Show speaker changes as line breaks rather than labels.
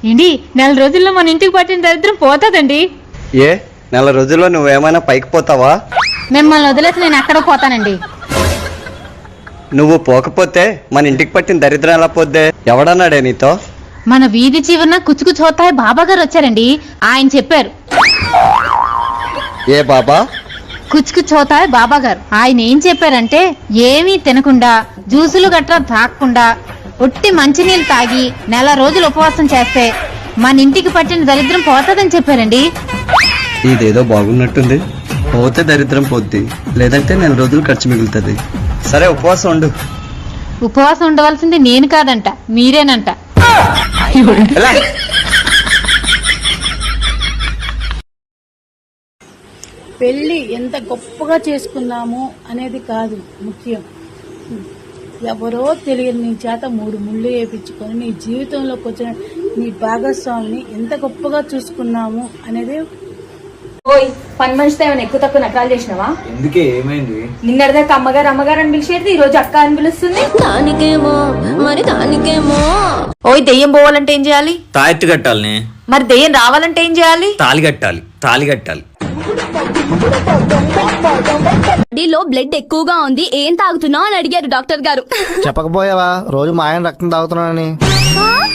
ఏంటి నెల రోజుల్లో మన ఇంటికి పట్టిన దరిద్రం పోతుందండి.
ఏ నెల రోజుల్లో నువ్వేమైనా పైకి పోతావా?
మిమ్మల్ని వదిలేసి నేను ఎక్కడ పోతానండి.
నువ్వు పోకపోతే మన ఇంటికి పట్టిన దరిద్రం ఎలా పోద్దే? ఎవడన్నాడే నీతో?
మన వీధి చివరన కుచుకు చోతాయి బాబా గారు వచ్చారండి. ఆయన చెప్పారు.
ఏ బాబా?
కుచుకు చోతాయి బాబా గారు. ఆయన ఏం చెప్పారంటే ఏమీ తినకుండా జ్యూసులు గట్రా తాగకుండా ఒట్టి మంచినీళ్ళు తాగి నెల రోజులు ఉపవాసం చేస్తే మన ఇంటికి పట్టిన దరిద్రం పోతుందని చెప్పారండి.
ఇదేదో బాగున్నట్టుంది. పోతే దరిద్రం పోద్ది, లేదంటే నెల రోజులు ఖర్చు మిగులుతుంది. సరే ఉపవాసం ఉండు.
ఉపవాసం ఉండవలసింది నేను కాదంట, మీరేనంట.
పెళ్ళి ఎంత గొప్పగా చేసుకున్నాము అనేది కాదు ముఖ్యం. ఎవరో తెలియని నీ చేత 3 ముళ్ళు వేయించుకొని నీ జీవితంలోకి వచ్చిన నీ భాగస్వామిని ఎంత గొప్పగా చూసుకున్నాము అనేది.
ఓయ్, పని మనిషితో ఏమైనా ఎక్కువ తక్కువ నకరాలు చేసినావా?
ఎందుకే, ఏమైంది?
నిన్నటిదాకా అమ్మగారు అమ్మగారు అని పిలిచేది, ఈ రోజు అక్క అని పిలుస్తుంది. దానికేమో. ఓయ్, దెయ్యం పోవాలంటే ఏం చేయాలి?
తాయెత్తు కట్టాలని.
మరి దెయ్యం రావాలంటే ఏం చేయాలి?
తాళి కట్టాలి. తాళి కట్టాలి.
బాడీలో బ్లడ్ ఎక్కువగా ఉంది, ఏం తాగుతున్నావు అని అడిగారు డాక్టర్ గారు.
చెప్పకపోయావా రోజు మా ఆయన రక్తం తాగుతున్నానని?